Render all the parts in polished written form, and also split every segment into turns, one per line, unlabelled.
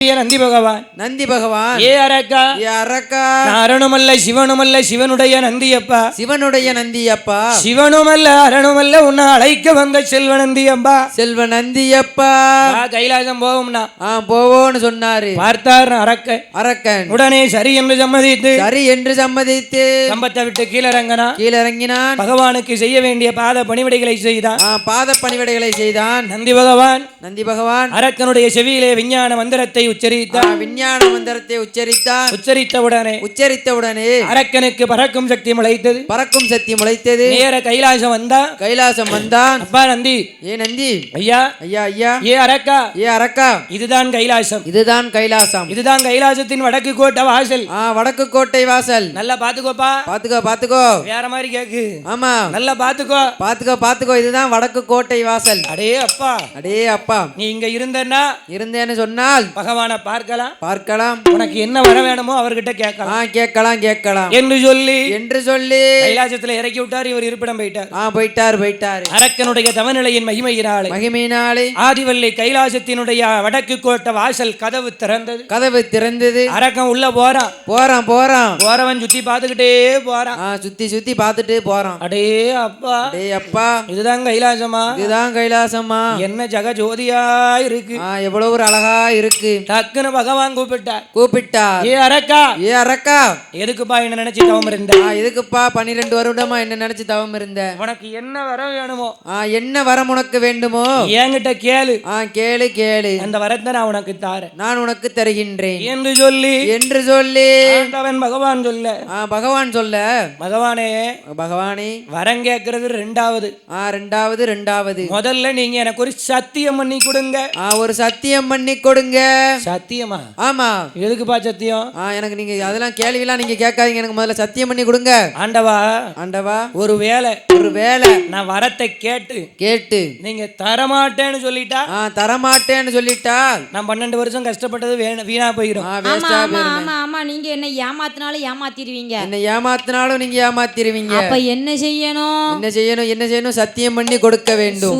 நந்தி பகவான்
நந்தி பகவான்
ஏ அரக்கா
ஏ அரக்கா
அரணுமல்ல சிவனுமல்ல சிவனுடைய நந்தியப்பா
சிவனுடைய நந்தியப்பா
சிவனுமல்ல அரணுமல்ல உன்னை அழைக்க வந்த செல்வ நந்தியப்பா
செல்வ நந்தியப்பா
கைலாசம் போகும்னா
போவோன்னு சொன்னாரு.
பார்த்தார் அரக்கன் உடனே சரி என்று சம்மதித்து கம்பத்தை விட்டு கீழிறங்கினான். பகவானுக்கு செய்ய வேண்டிய பாத பணிவிடைகளை செய்தான். நந்தி பகவான் அரக்கனுடைய செவியிலே விஞ்ஞான மந்திரத்தை உச்சரித்தவுடனே அரக்கனுக்கு பறக்கும் சக்தி முளைத்தது. நேர கைலாசம் வந்தான். அப்பா நந்தி,
ஏ நந்தி,
ஐயா ஏ அரக்கா இதுதான் கைலாசம். இதுதான் கைலாசத்தின் வடக்கு கோட்டை வாசல்.
வடக்கு கோட்டை வாசல்.
நல்லா பாத்துக்கோப்பா. பாத்துக்கோ வேற மாதிரி கேக்கு. ஆமா நல்லா பாத்துக்கோ. இதுதான் வடக்கு கோட்டை வாசல். அடே அப்பா நீ இங்க இருந்தேன்னு சொன்னால் பகவானை பார்க்கலாம். உனக்கு என்ன வர வேணுமோ அவர்கிட்ட கேட்கலாம் என்று சொல்லி கைலாசத்துல இறக்கி விட்டார். இவர் இருப்பிடம் போயிட்டார். அரக்கனுடைய தவநிலையின் மகிமையினாலே ஆதிவள்ளி கைலாசத்தினுடைய வடக்கு கோட்டை வாசல் கதவு திறந்தது. அரக்கன் உள்ள போறான். சுத்தி பார்த்துக்கிட்டே போறான். சுத்தி பார்த்துட்டு போறான். அடே அப்பா இதுதான் கைலாசமா? என்ன ஜகஜோதியா இருக்கு. எவ்வளவு ஒரு அழகா இருக்கு. டக்குன்னு பகவான் கூப்பிட்டார். ஏ அரக்கா எதுக்குப்பா என்ன நினைச்சு தவம் இருந்த? எதுக்குப்பா 12 வருடமா என்ன நினைச்சு தவம் இருந்த? உனக்கு என்ன வரம் வேணுமோ? என்ன வரம் உனக்கு வேண்டுமோ என்கிட்ட கேளு. கேளு அந்த வரத்தை நான் உனக்கு தாரேன். நான் உனக்கு தருகின்றேன் என்று சொல்லி பகவான் சொல்ல பகவானே வரம் கேட்கறது ரெண்டாவது. முதல்ல நீங்க எனக்கு ஒரு சத்தியம் பண்ணி கொடுங்க. ஒரு சத்தியம் பண்ணி கொடுங்க. சத்தியமா? ஆமா. எதுக்குப்பா சத்தியம்? எனக்கு நீங்க அதெல்லாம் கேள்விலாம் நீங்க கேட்காதீங்க. எனக்கு முதல்ல சத்தியம் பண்ணி கொடுங்க. ஆண்டவா ஒரு வேளை நான் வரத்தை கேட்டு நீங்க தரமாட்டேன்னு சொல்லிட்டா நான் 12 வருஷம் கஷ்டப்பட்டது வீணா போயிடும்.
ஆமா நீங்க என்ன ஏமாத்தினாலும் நீங்க ஏமாத்திடுவீங்க. அப்ப என்ன செய்யணும்? சத்தியம் பண்ணி கொடுக்க வேண்டும்.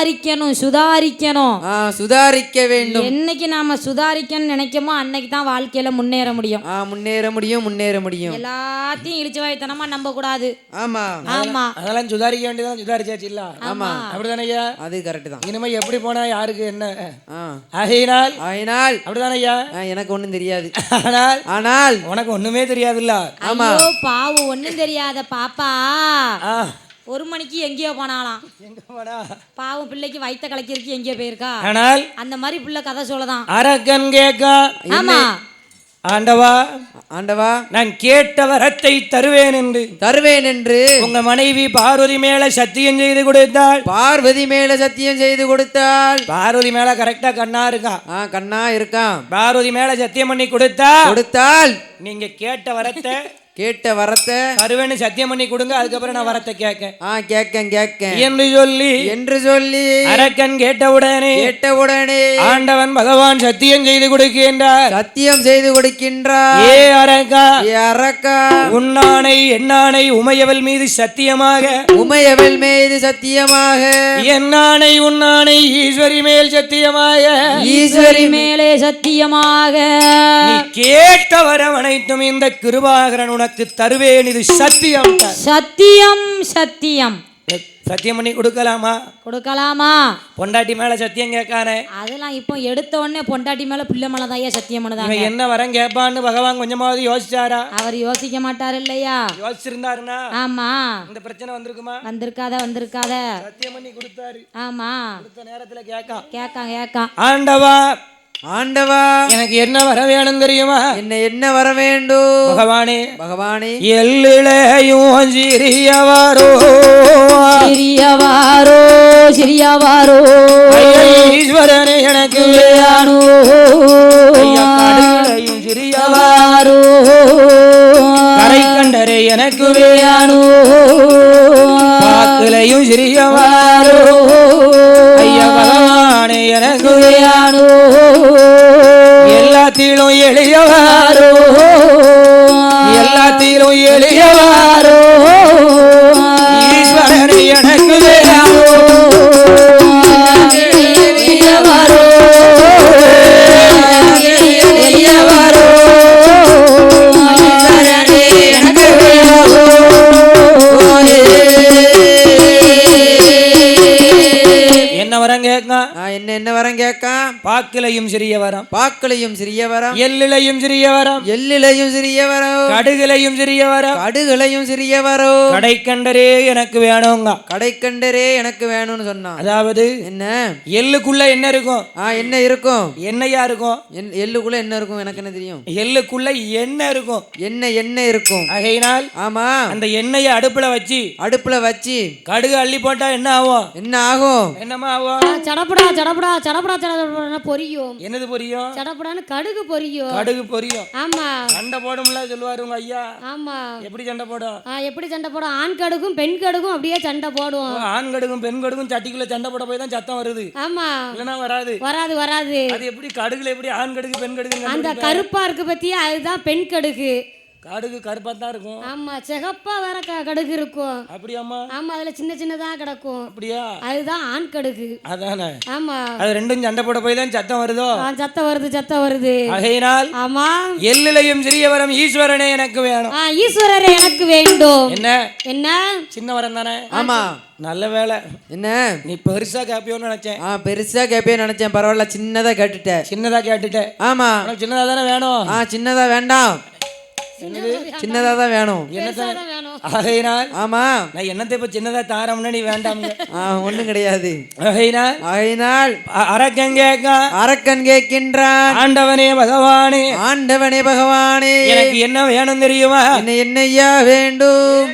சுதாரிக்க வேண்டும். என்னைக்கு நாம சுதாரிக்கணும்னு நினைக்கமோ அன்னைக்கு தான் வாழ்க்கையில முன்னேற முடியும். எல்லாத்தையும் இழிச்சு வாய்த்தனமா நம்ப கூடாது. ஆமா
அதெல்லாம் சுதாரிக்க வேண்டியதான். சுதாரிச்சாச்சு இல்ல? ஆமா அப்படிதானே ஐயா? அது கரெக்ட் தான். இனிமே எப்படி போனா யாருக்கு என்ன ஆகையினால் அப்படிதானே ஐயா? எனக்கு ஒண்ணும் தெரியாது. ஆனால் உனக்கு ஒண்ணுமே தெரியாதுல்ல?
ஆமா பாவு ஒண்ணும் தெரியாத பாப்பா 1 மணிக்கு எங்கேயோ போனாலாம். பாவம் பிள்ளைக்கு வயித்த கலக்கிருக்கு எங்கேயோ போயிருக்கா. ஆனால் அந்த மாதிரி பிள்ளை கதை சொல்லதான். அரக்கன் கேட்கா. ஆமா
ஆண்டவா நான் கேட்ட வரத்தை தருவேன் என்று உங்க மனைவி பார்வதி மேல சத்தியம் செய்து கொடுத்தாள். பார்வதி மேல கரெக்டா கண்ணா இருக்கான். பார்வதி மேல சத்தியம் பண்ணி கொடுத்தால் நீங்க கேட்ட வரத்தை தருவேன்னு சத்தியம் பண்ணி கொடுங்க. அதுக்கப்புறம் நான் வரத்தை கேட்க என்று சொல்லி அரக்கன் கேட்டவுடனே ஆண்டவன் பகவான் சத்தியம் செய்து கொடுக்கின்றார். ஏ அரக்கா உன்னானை என்னானை உமையவள் மீது சத்தியமாக என்னானை உன்னானை ஈஸ்வரி மேல் சத்தியமாக நீ கேட்ட வரம் அனைத்தும் இந்த கிருபாகரன் உனக்கு தருவேன். இது சத்தியம். சத்தியம் பண்ணி கொடுக்கலாமா? பொண்டாட்டி மேல சத்தியம் கேட்கானே.
அதெல்லாம் இப்போ எடுத்த உடனே பொண்டாட்டி மேல பிள்ளை மேலதான் சத்தியம் பண்ணதாங்க.
என்ன வரம் கேட்பான்னு பகவான் கொஞ்சமாவது யோசிச்சாரா?
அவர் யோசிக்க மாட்டாரு இல்லையா?
யோசிச்சிருந்தாருன்னா ஆமா இந்த பிரச்சனை வந்திருக்குமா?
வந்திருக்காத.
சத்தியம் பண்ணி கொடுத்தாரு.
ஆமா
அடுத்த நேரத்துல
கேட்கான்.
ஆண்டவா எனக்கு என்ன வர வேணும் தெரியுமா? என்ன வர வேண்டும்? பகவானே எல்லிளையும் சிறியவாரோ ஈஸ்வரனே எனக்கு சிறியவாரோ கரை கண்டரே எனக்கு பாக்கலையும் சிறியவாரோ ஐயா பகவானே எனக்கு எல்லாத்திலும் எளியவாரோ ஈஸ்வரனை எனக்கு பாக்கிலையும் சிறிய வரம்
பாக்களையும் சிறிய வரம்
எள்ளிலையும் சிறிய வரம்
எள்ளிலையும் சிறிய வரம்
கடுகுலையும் சிறிய வரம்
கடுகுலையும் சிறிய வரம்
கடைக்கண்டரே எனக்கு வேணுங்க
கடைக்கண்டரே எனக்கு வேணும்னு சொன்னான்.
அதாவது
என்ன
எள்ளுக்குள்ள என்ன இருக்கும்?
என்ன இருக்கும்?
எண்ணெயா இருக்கும்.
எள்ளுக்குள்ள என்ன இருக்கும்? எனக்கு என்ன தெரியும்?
எள்ளுக்குள்ள எண்ணெய் இருக்கும்.
எண்ணெய் இருக்கும்.
ஆகையினால்
ஆமா
அந்த எண்ணெயை அடுப்புல வச்சு
கடுகு
அள்ளி போட்டா என்ன ஆகும்? என்னமா ஆகும்?
சடபடா சடபடா சடபடா சடபடா பொரியும்.
என்னது பொரியும்?
சடபடான்னு கடுகு பொரியும்.
கடுகு பொரியும்.
ஆமா
சண்டை போடும்ல சொல்லுவாரு உங்க ஐயா.
ஆமா
எப்படி சண்டை போடும்?
எப்படி சண்டை போடும்? ஆண் கடுகும் பெண் கடுகும் அப்படியே சண்டை போடும்.
ஆண் கடுகும் பெண் கடுகும் சட்டிக்குள்ள சண்டை போட போய் தான் சத்தம் வருது.
ஆமா
இல்லனா வராது.
வராது வராது.
அது எப்படி கடுகுல எப்படி ஆண் கடுகு பெண் கடுகு?
அந்த கருப்பா இருக்கு பத்தியா, அதுதான் பெண் கடுகு.
கடுகு கருப்பா தான் இருக்கும்.
ஆமா சிகப்பா வேற கடுகு இருக்கும்.
அப்படியாமா?
ஆமா அதுல சின்ன சின்னதா கிடக்கும்.
அப்படியா?
அதுதான் ஆண் கடுகு.
அதானே.
ஆமா
அது ரெண்டும் சண்டை போட போய் தான் சத்தம் வருதோ?
சத்தம் வருது.
ஆகையினால்
ஆமா
எள்ளிலையும் சிறிய வரம் ஈஸ்வரனே எனக்கு வேணும்.
ஈஸ்வரரே எனக்கு வேண்டும். என்ன
சின்ன வரம் தானே?
ஆமா
நல்ல வேலை.
என்ன
நீ பெருசா கேப்பியோன்னு நினைச்சேன்.
பெருசா கேப்பியோன்னு நினைச்சேன். பரவாயில்ல, சின்னதா கேட்டுட்டேன். ஆமா
சின்னதா தானே வேணும்.
சின்னதா வேண்டாம், சின்னதா தான் வேணும்.
ஆகையினால்
ஆமா
நான் என்னத்தை இப்ப சின்னதா தாரம்னா நீ வேண்டாம்.
ஒண்ணும் கிடையாது.
ஆகையினால்
அரக்கன் கேட்கின்றான்,
ஆண்டவனே
பகவானே
எனக்கு என்ன வேணும் தெரியுமா?
என்னையா வேண்டும்?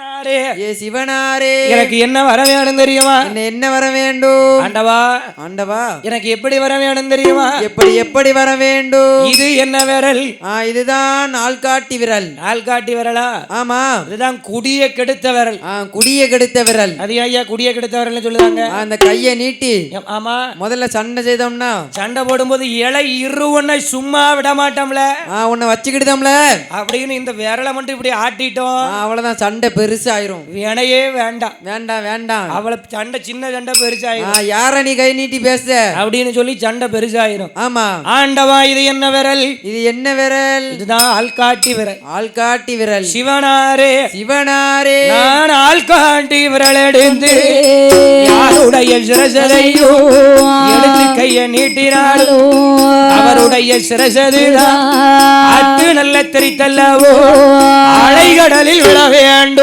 சிவனாரே எனக்கு என்ன வர வேணும் தெரியுமா?
என்ன வர வேண்டும்? ஆண்டவா
எனக்கு எப்படி வர வேணும் தெரியுமா?
எப்படி வர வேண்டும்?
இது என்ன விரல்?
இதுதான் ஆள்காட்டி விரல்.
ஆள்காட்டி விரலா?
ஆமா
இதுதான் குடிய கெடுத்த விரல்.
குடிய கெடுத்த விரல்.
அது ஐயா குடிய கெடுத்த விரல் சொல்லுவாங்க.
அந்த கையை நீட்டி
ஆமா
முதல்ல சண்டை செய்தோம்னா,
சண்டை போடும்போது இலை உன்னை சும்மா விட மாட்டோம்ல,
உன்னை வச்சுக்கிட்டோம்ல
அப்படின்னு இந்த விரலை மட்டும் இப்படி ஆட்டிட்டோம்,
அவ்வளவுதான் சண்டை பெருசு ஆயிரும்.
வேணையே வேண்டாம்
வேண்டாம் வேண்டாம்.
அவளை சண்டை சின்ன சண்டை பெருசாயிரும்.
யார நீ கை நீட்டி பேச அப்படின்னு
சொல்லி சண்டை பெருசாயிரும்.
ஆமா
ஆண்டவா இது என்ன விரல்?
இதுதான்
ஆள்காட்டி விரல்.
ஆள்காட்டி விரல்.
சிவனாரே
நான்
ஆள்காட்டி விரல் எடுத்து யாருடைய சிரசதையோ எடுத்து கைய நீட்டினாலோ அவருடைய சிரசதுதான் அத்து நல்ல தெரித்தல்லவோ அலைகடலில் விழ வேண்டும்.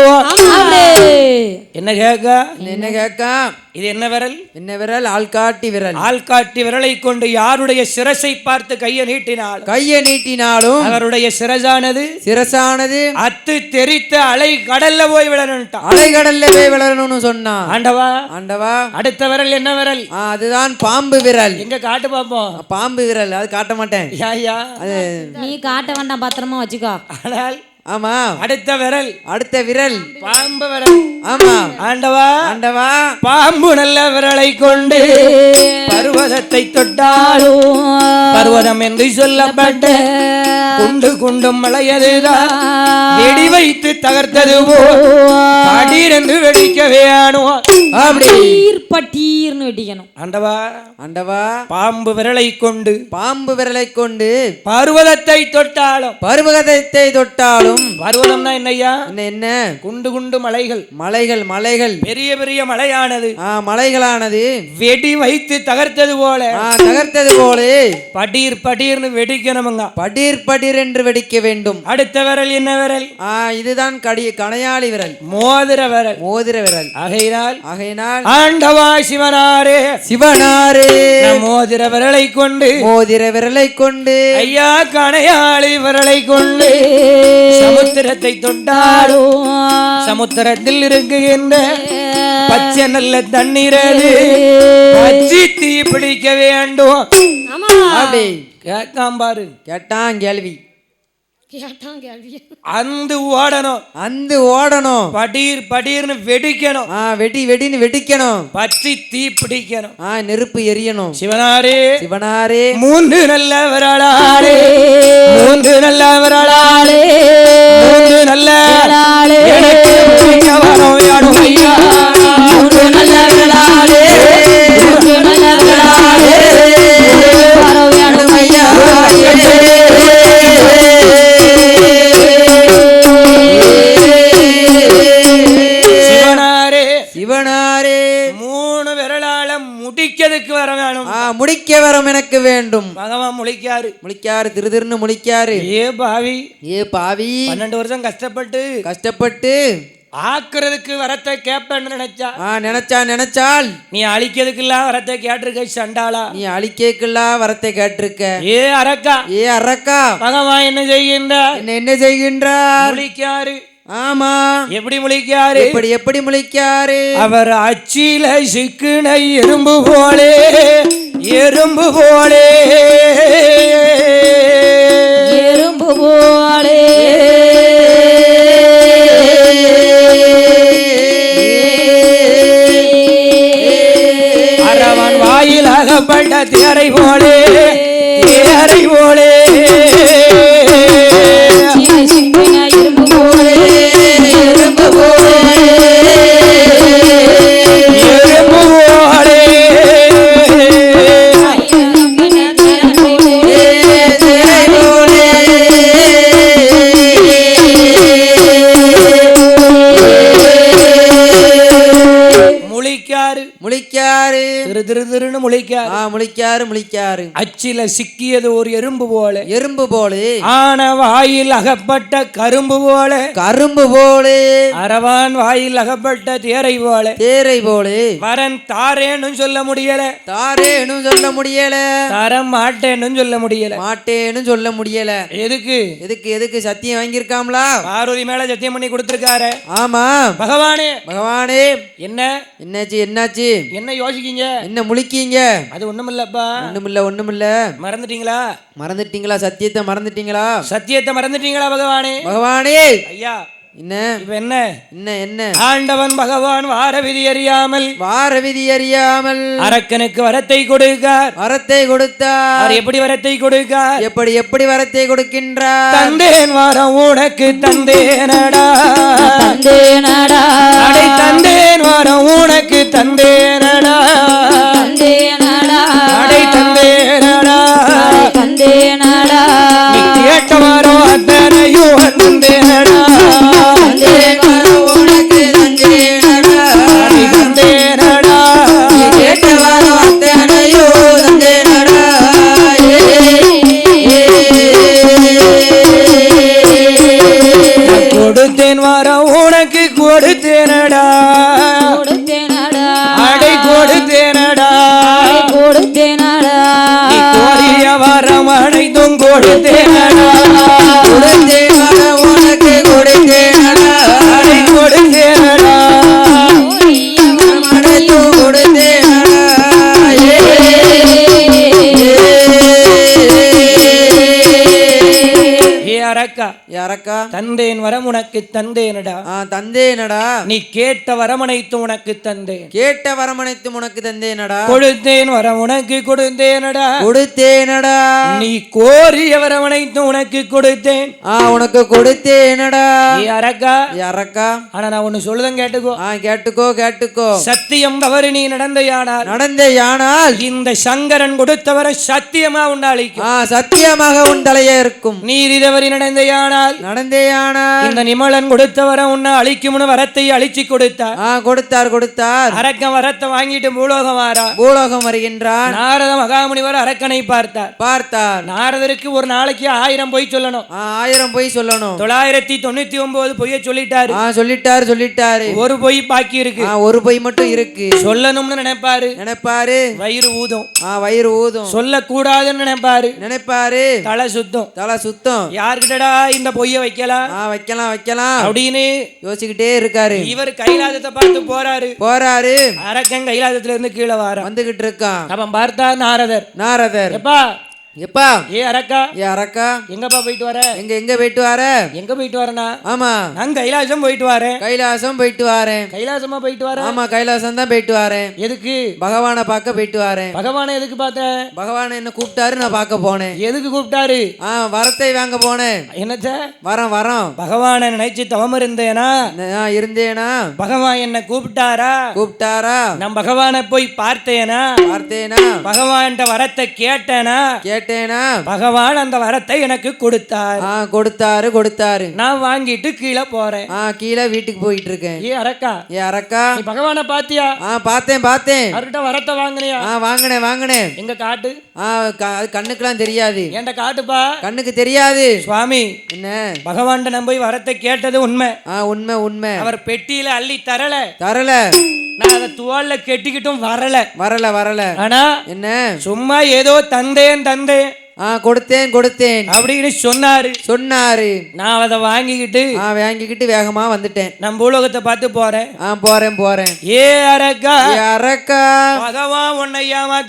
என்ன கேட்க? இது என்ன விரல்?
ஆள்காட்டி விரல்.
ஆள்காட்டி விரலை கொண்டு யாருடைய சிரசை பார்த்து கையை நீட்டினாலும் அவருடைய சிரசானது அத்து தெரித்த அலை கடல்ல போய் விழணும்னு சொன்னான். ஆண்டவா அடுத்த விரல் என்ன விரல்? அதுதான் பாம்பு விரல். எங்க காட்டு பாப்போம். பாம்பு விரல். அது காட்ட மாட்டேன்.
நீ காட்ட வேண்டாம், பத்திரமா வச்சுக்கோ.
ஆனால்
ஆமா
அடுத்த விரல்
பாம்பு விரல். ஆமா
ஆண்டவா பாம்பு நல்ல விரலை கொண்டு பர்வதத்தை தொட்டாலும் பர்வதம் என்று சொல்லப்பட்ட குண்டும் மலையதுதான் வெடி வைத்து தகர்த்தது படீர் என்று வெடிக்க வேணும். அப்படி
பட்டீர்னு வெடிக்கணும்.
ஆண்டவா பாம்பு விரலை கொண்டு
பர்வதத்தை தொட்டாலும்
பர்வதம்னா என்னையா?
என்ன?
குண்டு மலைகள் பெரிய பெரிய
மலைகளானது
வெடி வைத்து தகர்த்தது போல படீர்னு வெடிக்கணுமுங்க.
படீர் என்று வெடிக்க வேண்டும்.
அடுத்த விரல் என்ன விரல்?
இதுதான் கணையாளி விரல்.
மோதிர விரல். ஆகையினால் ஆண்டவா சிவனாரே மோதிர விரலை கொண்டு ஐயா கணையாளி விரலை கொண்டு சமுத்திரத்தை தொட்டாலும் சமுத்திரத்தில் இருக்குகின்ற பச்சை நல்ல தண்ணீரது பச்சி தீ பிடிக்க வேண்டும்.
கேட்டான் கேள்வி.
அந்து ஓடணும் படீர்னு வெடிக்கணும்.
வெடின்னு வெடிக்கணும்.
பச்சி தீ பிடிக்கணும்.
நெருப்பு எரியணும்.
சிவனாரே மூன்று நல்ல விரலாளே மூன்று நல்ல எனக்கு வரம் வேணும் ஐயா. மூன்று நல்ல விரலாளே வரம் வேணும் ஐயா. சிவனாரே மூணு விரலால முடிக்கிறதுக்கு வர வேணும்.
முடிக்க வரம் எனக்கு வேண்டும்.
பகவான் முழிக்காரு.
முழிக்காரு, திருன்னு முழிக்காரு.
ஏ பாவி,
ஏ பாவி,
12 வருஷம் கஷ்டப்பட்டு ஆக்குறதுக்கு வரத்தை கேப்பன்னு
நினைச்சால்
நீ அழிக்கிறதுக்கெல்லாம் வரத்தை கேட்டிருக்க சண்டாளா.
நீ அழிக்கலாம் வரத்தை கேட்டிருக்க.
ஏ அரக்கா
பகவான் என்ன செய்கின்றார்?
முழிக்காரு.
ஆமா,
எப்படி முழிக்காரு?
எப்படி முழிக்காரு?
அவர் அச்சில சிக்குனை எறும்பு போலே அரவன் வாயில் அகப்பட்ட தேரை போலே
முழிக்காரு.
திருன்னு
முழிக்காரு.
அச்சில சிக்கியது ஒரு எறும்பு போல, ஆன வாயில் அகப்பட்ட கரும்பு போல, அரவான் வாயில் அகப்பட்ட தேரை போல, வரன் தாரேன்னு சொல்ல முடியல, தரம் மாட்டேன்னு சொல்ல முடியல. எதுக்கு சத்தியம் வாங்கியிருக்காம்ல, பார்வதி மேல சத்தியம் பண்ணி கொடுத்திருக்காரு.
ஆமா,
பகவானே
என்னாச்சு?
என்ன யோசிக்கீங்க?
என்ன முழிக்கீங்க?
அது ஒண்ணுமில்லப்பா.
ஒண்ணுமில்ல. மறந்துட்டீங்களா? சத்தியத்தை மறந்துட்டீங்களா? பகவானே ஐயா, என்ன
ஆண்டவன் பகவான் வார விதி அறியாமல் அரக்கனுக்கு வரத்தை கொடுத்தார். எப்படி வரத்தை கொடுக்கார்?
எப்படி வரத்தை கொடுக்கின்றார்?
தந்தேன் வாரம் உனக்கு தந்தேனடா, தந்தேன் வாரம் உனக்கு தந்தேனடா, தந்தேனடா, நீ கேட்ட வாரம் அத்தனையும் தந்தேனடா, கொடுத்தேன் வாரம் உனக்கு கொடுத்தேனடா, அடை கொடுத்தேனடா, நீ கோரிய வாரம் அனைத்தும் கொடுத்தேனடா,
உனக்கு கொடுத்தேனடா,
அடை கொடுத்தேனடா,
அரக்கா,
தந்தேன் வரம் உனக்கு தந்தேனடா, நீ கேட்ட வரமனைத்தும் உனக்கு தந்தேனடா, கொடுத்தேன் வரம் உனக்கு கொடுத்தேனடா, நீ கோரிய வரமனைத்தும் உனக்கு கொடுத்தேன்,
உனக்கு கொடுத்தேனடா.
அரக்கா, ஆனா நான் ஒண்ணு சொல்லுதேன்
கேட்டுக்கோ.
சத்தியம் தவறு நீ நடந்தையானால் இந்த சங்கரன் கொடுத்தவர சத்தியமா உண்டாளிக்கும்,
சத்தியமாக உன் தலையே இருக்கும்.
நீதி தவறி நடந்தேயானால் இந்த நிமலன் கொடுத்தவர உன்னை அழிக்கும்னு வரத்தை அழிச்சு கொடுத்தார். அரக்கன் வரத்தை வாங்கிட்டு பூலோகம் வருகின்றான். நாரத மகாமுனிவர் அரக்கனை பார்த்தார். நாரதருக்கு ஒரு நாளைக்கு 1000 பொய் சொல்லணும். 999 பொய்ய சொல்லிட்டாரு. ஒரு பொய் பாக்கி இருக்கு.
ஒரு பொய் மட்டும் இருக்கு.
சொல்லணும்னு நினைப்பாரு. வயிறு ஊதும். சொல்லக்கூடாதுன்னு நினைப்பாரு. தலை சுத்தம். யார்கிட்டடா இந்த பொய்ய வைக்கலாம் அப்படின்னு
யோசிச்சுக்கிட்டே இருக்காரு.
இவர் கைலாசத்தை பார்த்து போறாரு. அரக்கன் கைலாசத்துல இருந்து கீழே வந்துகிட்டு இருக்கான். அவன் பார்த்தா நாரதர் எப்பா ஏ அரக்கா எங்கப்பா போயிட்டு வர? எங்க போயிட்டு வரனா? ஆமா, நான் கைலாசம் போயிட்டு வரேன். கைலாசமா போயிட்டு வரேன்? ஆமா, கைலாசம் தான் போயிட்டு வரேன். எதுக்கு? பகவானை பார்க்க போயிட்டு வரேன். பகவானை எதுக்கு பார்த்தேன்? பகவான் என்ன கூப்பிட்டாரு, நான் பார்க்க போனேன். எதுக்கு கூப்பிட்டாரு? வரத்தை வாங்க போனேன். என்னச்ச? வரம். பகவானை நினைச்சு தவம் இருந்தேனா? பகவான் என்ன கூப்பிட்டாரா? நான் பகவானை போய் பார்த்தேனா? பகவான் வரத்தை கேட்டேனா?
கேட்டேனா
பகவான் அந்த வரத்தை எனக்கு கொடுத்தார்.
கொடுத்தாரு
நான் வாங்கிட்டு கீழே போறேன்.
கீழே வீட்டுக்கு போயிட்டு இருக்கேன்.
ஏ அரக்கா
நீ
பகவான பாத்தியா?
பார்த்தேன்
அவர்கிட்ட வரத்தை வாங்கினியா?
வாங்கினேன்.
எங்க காட்டு.
கண்ணுக்கெல்லாம் தெரியாது.
ஏன்டா காட்டுப்பா.
கண்ணுக்கு தெரியாது சுவாமி. என்ன
பகவான் நம்பி வரத்தை கேட்டது உண்மை.
உண்மை.
அவர் பெட்டியில அள்ளி தரல.
நான்
அதை துவால்ல கெட்டிக்கிட்டும் வரல. ஆனா
என்ன
சும்மா ஏதோ தந்தேன்
கொடுத்தேன்
அப்படின்னு சொன்னாரு. நான் அதை வாங்கிக்கிட்டு
வேகமா வந்துட்டேன்.
நம்ம உலகத்தை பார்த்து போறேன். ஏ அரக்கா பகவான் உன்னை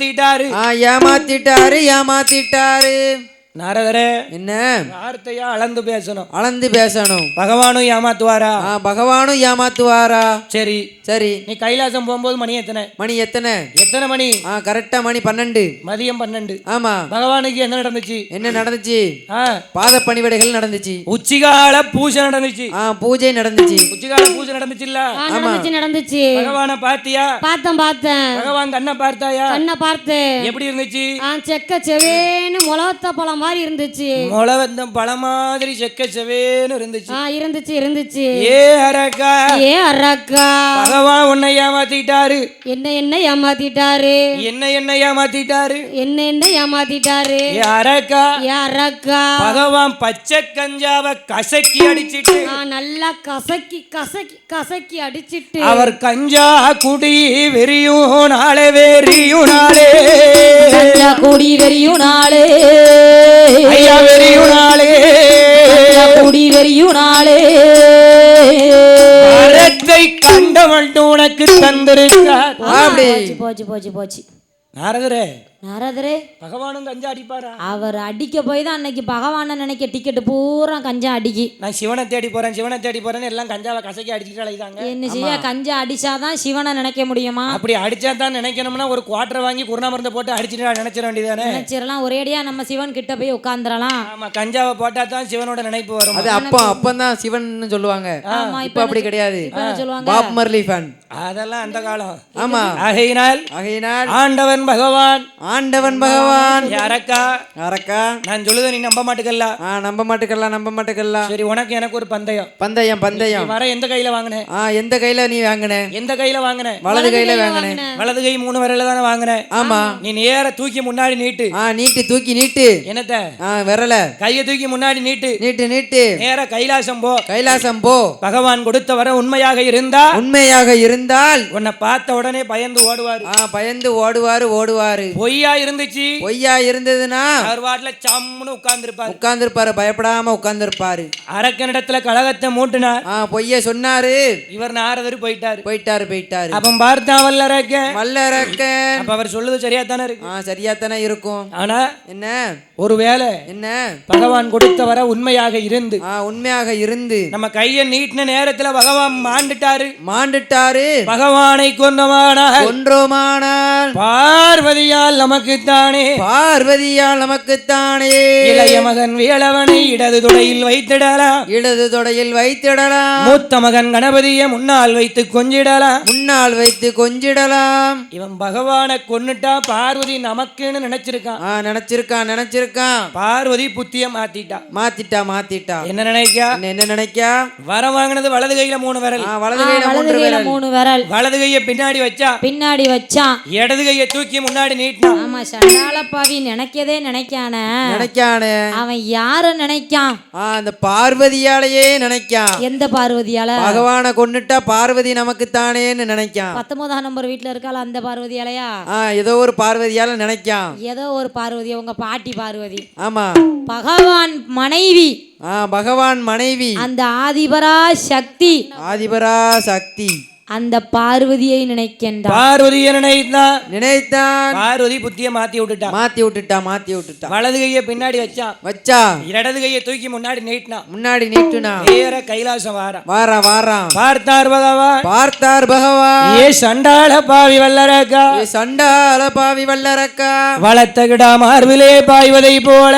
ஏமாத்திட்டாரு. நாரதரே
என்ன
வார்த்தையா அளந்து
பேசணும்.
பகவானும்
ஏமாத்துவாரா? சரி
நீ கைலாசம் போகும்போது மணி எத்தனை மணி?
கரெக்டா மணி 12.
மதியம் 12.
ஆமா.
பகவானுக்கு என்ன நடந்துச்சு?
பாத பணிவிடைகள் நடந்துச்சு.
உச்சிகால பூஜை நடந்துச்சு.
பூஜை நடந்துச்சு.
உச்சிகால பூஜை நடந்துச்சுல்ல?
நடந்துச்சு.
பகவான பாத்தியா?
பார்த்தேன்.
பகவான் கண்ணை பார்த்தாயா?
கண்ணை பார்த்தேன்.
எப்படி இருந்துச்சு?
செக்க செவேன்னு முளவத்த பழம் மாதிரி இருந்துச்சு.
முளவத்தம் பழம் மாதிரி செக்க செவேன்னு
இருந்துச்சு.
ஏ அரக்கா பகவான் உன்னை ஏமாத்திட்டாரு.
என்ன ஏமாத்திட்டாரு?
ஏ அரக்கா பகவான் பச்சை கஞ்சாவை கசக்கி அடிச்சிட்டு
நல்லா கசக்கி அடிச்சிட்டு
அவர் கஞ்சா குடி வெறியும் நாளே ஐயா வெறியும் நாளே வரத்தை கண்டவன் உனக்கு தந்திருக்கார்.
போச்சு.
நாரதரே பகவானும் கஞ்சா அடிப்பாரா?
அவர் அடிக்க போய் தான் அன்னைக்கு பகவான நினைக்க டிக்கெட் பூரா கஞ்சா அடிக்கி.
நான் சிவனை தேடி போறேன் எல்லாம் கஞ்சாவை கசக்கி அடிச்சுட்டு அழைதாங்க.
என்ன செய்ய? கஞ்சா அடிச்சாதான் சிவனை நினைக்க முடியுமா?
அப்படி அடிச்சா தான் நினைக்கணும்னா ஒரு குவார்டர் வாங்கி குருணா மருந்து போட்டு அடிச்சுட்டு நினைச்சிட வேண்டியதானே?
நினைச்சிடலாம். ஒரேடியா நம்ம சிவன் கிட்ட போய் உட்கார்ந்துடலாம்.
ஆமா, கஞ்சாவை போட்டா தான் சிவனோட நினைப்பு வரும்.
அது அப்பதான் சிவன் சொல்லுவாங்க. இப்ப அப்படி கிடையாது. பாப் மர்லி ஃபேன்
அதெல்லாம் அந்த காலம்.
ஆமா.
ஆகையினால் ஆண்டவன் பகவான் அரக்கா நான் சொல்லுத நீ நம்ப மாட்டுக்கல்ல. சரி, உனக்கு எனக்கு ஒரு பந்தயம். வர எந்த கையில வாங்கினேன்?
எந்த கையில நீ வாங்கின?
எந்த கையில வாங்கினேன்?
வலது கையில வாங்கினேன்.
வலது கை 3 விரல்ல தானே வாங்கினேன்.
ஆமா.
நீ நேர தூக்கி முன்னாடி நீட்டு.
நீட்டு
என்னத்த?
விரல
கையை தூக்கி முன்னாடி நீட்டு. நேர கைலாசம் போ. பகவான் கொடுத்த வர உண்மையாக இருந்தால் உன்னை பார்த்த உடனே பயந்து ஓடுவாரு. பொய்யா இருந்துச்சுன்னா அவர் வாட்ல சம்முன்னு உட்கார்ந்திருப்பாரு. பயப்படாம உட்கார்ந்திருப்பாரு. அரக்கனிடத்துல கலகத்தை மூட்டினார். பொய்ய சொன்னாரு. இவர் நாரதர் போயிட்டாரு. அப்ப பார்த்தான் வல்லரக்கன். அப்ப அவர் சொல்லுது சரியா தானே இருக்கும். ஆனா என்ன ஒருவேளை பகவான் கொடுத்த வர உண்மையாக இருந்து நம்ம கையை நீட்டின நேரத்துல பகவான் மாண்டுட்டாரு. பகவானை கொன்றோமானால் பார்வதியால் நமக்குத்தானே இளைய மகன் வேலவனை இடது தொடையில் வைத்திடலாம். மூத்த மகன் கணபதியை முன்னால் வைத்து கொஞ்சிடலாம். இவன் பகவானை கொன்னுட்டா பார்வதி நமக்குன்னு நினைச்சிருக்கான். பார்வதி புத்திய மாத்திட்டா. என்ன நினைக்கா? வர வாங்கினது வலது கையில 3 விரல். வலது கையை பின்னாடி வச்சான். இடது கையை தூக்கி முன்னாடி நீட்டினான்.
ஆமா, சண்டாள பாவி நினைக்கதே நினைக்கானே. அவன் யார நினைக்கான்?
அந்த பார்வதியாலேயே நினைக்கான்.
எந்த பார்வதியால?
பகவானை கொன்னுட்டா பார்வதி நமக்கு தானேன்னு நினைக்கான்.
19ஆம் நம்பர் வீட்டுல இருக்கால அந்த பார்வதியாலயா?
ஏதோ ஒரு பார்வதியால நினைக்கான்.
ஏதோ ஒரு பார்வதி, உங்க பாட்டி பார்வதி.
ஆமா.
பகவான் மனைவி அந்த ஆதிபரா சக்தி அந்த பார்வதியை நினைக்கின்றான்.
பார்வதி புத்திய மாத்தி விட்டுட்டா. வலது கையை பின்னாடி வச்சான். இடது கையை தூக்கி முன்னாடி நீட்டினா. நேர கைலாசம் வாரான். பார்த்தார் பகவான். ஏ சண்டாள பாவி வல்லரக்கா. வளர்த்தகிடா மார்பிலே பாய்வதை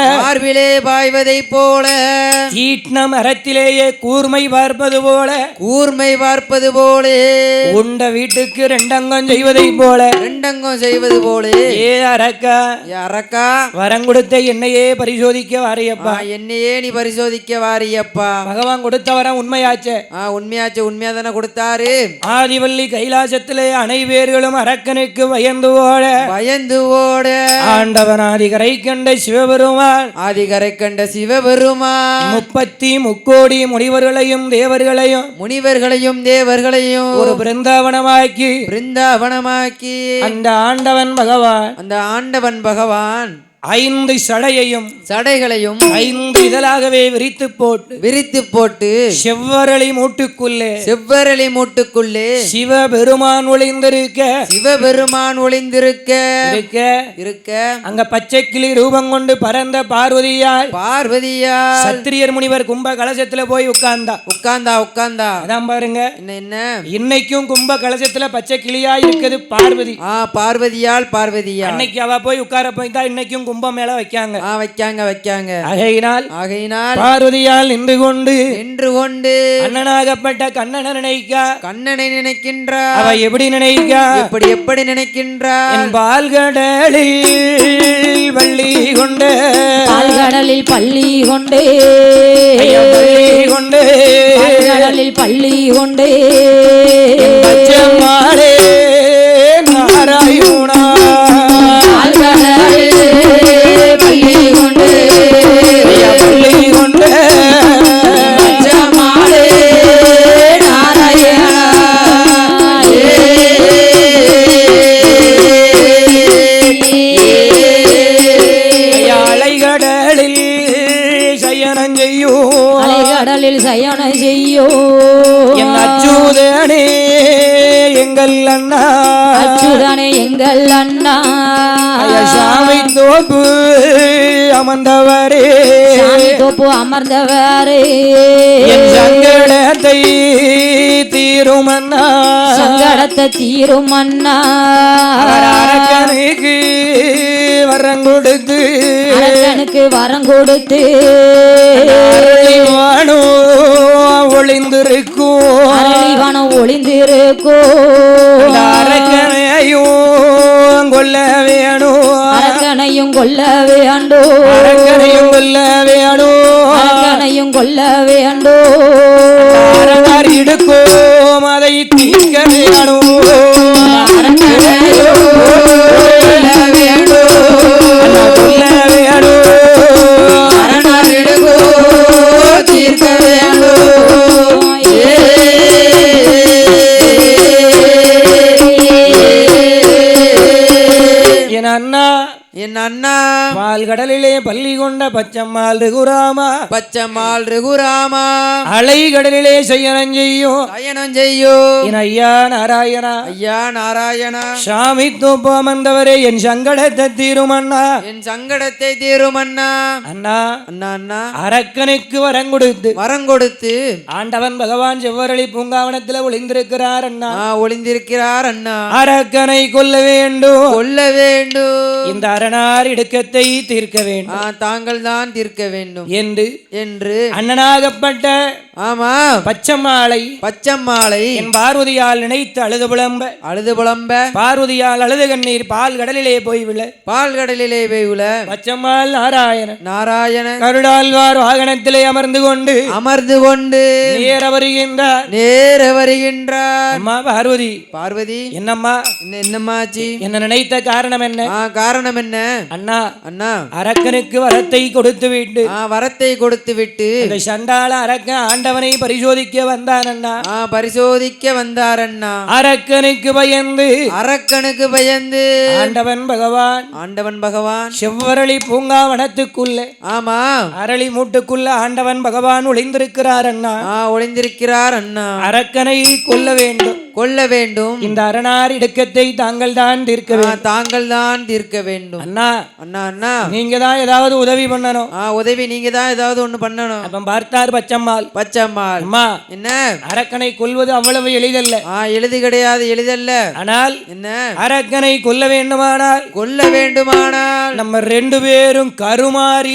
போல தீட்ன மரத்திலேயே கூர்மை பார்ப்பது போல உண்ட வீட்டுக்கு ரெண்டங்கம் செய்வதை போல
ரெண்டங்கம் செய்வது போல
ஏ அரக்கா
அரக்கா
வரம் கொடுத்த என்னையே பரிசோதிக்க வாரியப்பா
என்னையே நீ பரிசோதிக்க வாரியப்பா
பகவான் கொடுத்த வரம் உண்மையாச்சே
உண்மையாச்சு உண்மையா தானே கொடுத்தாரு
ஆதிவள்ளி கைலாசத்திலே அனைவேர்களும் அரக்கனுக்கு பயந்து ஓட ஆண்டவன் ஆதிகரை கண்ட சிவபெருமான்
ஆதிகரை கண்ட சிவபெருமான்
33 முனிவர்களையும் தேவர்களையும் ஒரு பிருந்தாவனமாக்கி அந்த ஆண்டவன் பகவான் 5 சடைகளையும் 5 இதழாகவே விரித்து போட்டு செவ்வரளி மூட்டுக்குள்ளே சிவபெருமான் ஒளிந்திருக்க அங்க பச்சை கிளி ரூபம் கொண்டு பரந்த பார்வதியால் சத்திரியர் முனிவர் கும்ப கலசத்துல போய் உட்கார்ந்தா அதான் பாருங்க என்ன இன்னைக்கும் கும்ப கலசத்துல பச்சை கிளியா இருக்குது பார்வதியால் அன்னைக்கு அவ போய் உட்கார போய் தான் இன்னைக்கும் கும்பம் மேல வைக்காங்க ஆகையினால் பார்வதியால் நின்று கொண்டு அண்ணனாகப்பட்ட கண்ணனை நினைக்கின்றார் அவ எப்படி நினைக்கின்றார் என் பால்கடலில் பள்ளி கொண்டு பள்ளி கொண்டு மாறே நாராயணா சயனம் செய்யோ என் அச்சுதனே எங்கள் அண்ணா சாமி தோப்பு அமர்ந்தவரே என் சங்கடத்தை தீரும் அண்ணா அரக்கனுக்கு வரம் கொடுத்து ஒளிந்திருக்கும் அரக்கனையும் கொல்ல வேண்டும் எடுக்கும் அதை தீர்க்க வேணும் என் அண்ணா பால்கடலிலே பள்ளி கொண்ட பச்சம்மாள் ரகுராமா அலைகடலிலே சயனம் செய்யும் என் ஐயா நாராயணா சாமி தோப்பம் வந்தவரே என் சங்கடத்தை தீரும் அண்ணா அண்ணா அரக்கனுக்கு வரம் கொடுத்து ஆண்டவன் பகவான் செவ்வரளி பூங்காவனத்தில் ஒளிந்திருக்கிறார் அண்ணா அரக்கனை கொல்ல வேண்டும் இந்த அரணார் இடுக்கத்தை தீர்க்க வேண்டும் தாங்கள் தான் தீர்க்க வேண்டும் என்று அண்ணனாகப்பட்ட பச்சம்மாளை என் பார்வதியால் நினைத்து அழுது புலம்ப பார்வதியால் அழுது கண்ணீர் பால் கடலிலே போய் விழ பச்சம்மாள் நாராயண கருடாழ்வார் வாகனத்திலே அமர்ந்து கொண்டு நேர வருகின்றார் அம்மா பார்வதி என்னம்மாச்சி என்ன நினைத்த காரணம் என்ன அண்ணா அரக்கனுக்கு வரத்தை கொடுத்து விட்டு இந்த சண்டாள அரக்கன் ஆண்டவனை பரிசோதிக்க வந்தார் அண்ணா அரக்கனுக்கு பயந்து ஆண்டவன் பகவான் செவ்வரளி பூங்காவனத்துக்குள்ளே அரளி மூட்டுக்குள்ள ஆண்டவன் பகவான் ஒளிந்திருக்கிறார் அண்ணா அரக்கனை கொல்ல வேண்டும் இந்த அரணார் இடுக்கத்தை தாங்கள் தான் தீர்க்க வேண்டும் அண்ணா நீங்க தான் ஏதாவது உதவி பண்ணணும் நீங்க தான் ஏதாவது ஒண்ணு பண்ணணும் அப்ப பார்த்தார் பச்சம்மாள் அம்மா என்ன அரக்கனை கொல்வது அவ்வளவு எளிதல்ல எளிதல்ல ஆனால் என்ன அரக்கனை கொல்ல வேண்டுமானால் நம்ம 2 பேரும் கருமாறி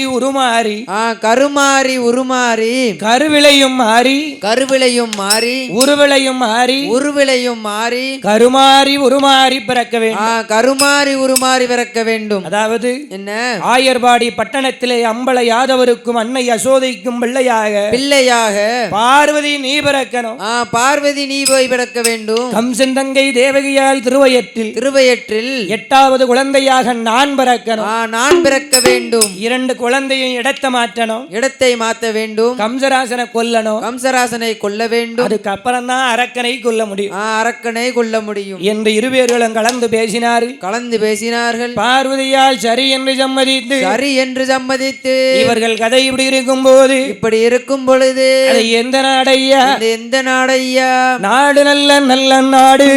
உருமாறி கருவிலையும் மாறி உருவிலையும்
கருவேலையும் மாறி
கருமாறி உருமாறி பிறக்க வேண்டும்.
கருமாறி உருமாறி பிறக்க வேண்டும்.
அதாவது
என்ன?
ஆயர்பாடி பட்டணத்திலே அம்பல யாதவருக்கும் அன்னை யசோதைக்கும் பிள்ளையாக பார்வதி நீ பிறக்கணும்.
பார்வதி நீ போய் பிறக்க வேண்டும்.
கம்சன் தங்கை தேவகியால் திருவயற்றில் 8வது குழந்தையாக நான் பிறக்கணும்.
நான் பிறக்க வேண்டும்.
2 குழந்தையும் இடத்தை
மாற்ற வேண்டும்.
கம்சராசனை கொல்லணும்.
கம்சராசனை கொல்ல வேண்டும்.
அதுக்கப்புறம் தான் அரக்கனை கொல்ல முடியும்.
அரக்கனை கொல்ல முடியும்
என்று இருவேர்களும் கலந்து பேசினார்கள். பார்வதியால் சரி என்று சம்மதித்து
இவர்கள்
கதை இப்படி இருக்கும் பொழுது எந்த நாடையா நாடு நல்ல நாடு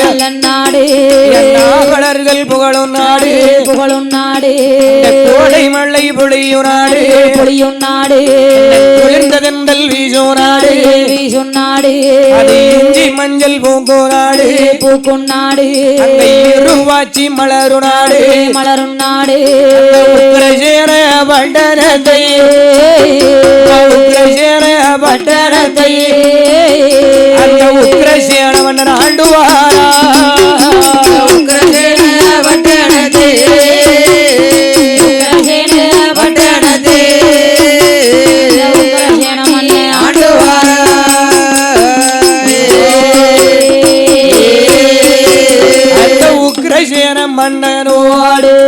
நாவலர்கள் புகழும் நாடு கோடை மழை பொழியும் நாடு குளிர்ந்ததென்றல் வீசும் நாடு அது இஞ்சி மஞ்சள் பூக்கும் நாடு இருவாச்சி மலரும் நாடு உக்ரசேன பட்டணத்தை அந்த உக்ரசேன மன்னன் ஆண்டுவாரா. மன்னனோடு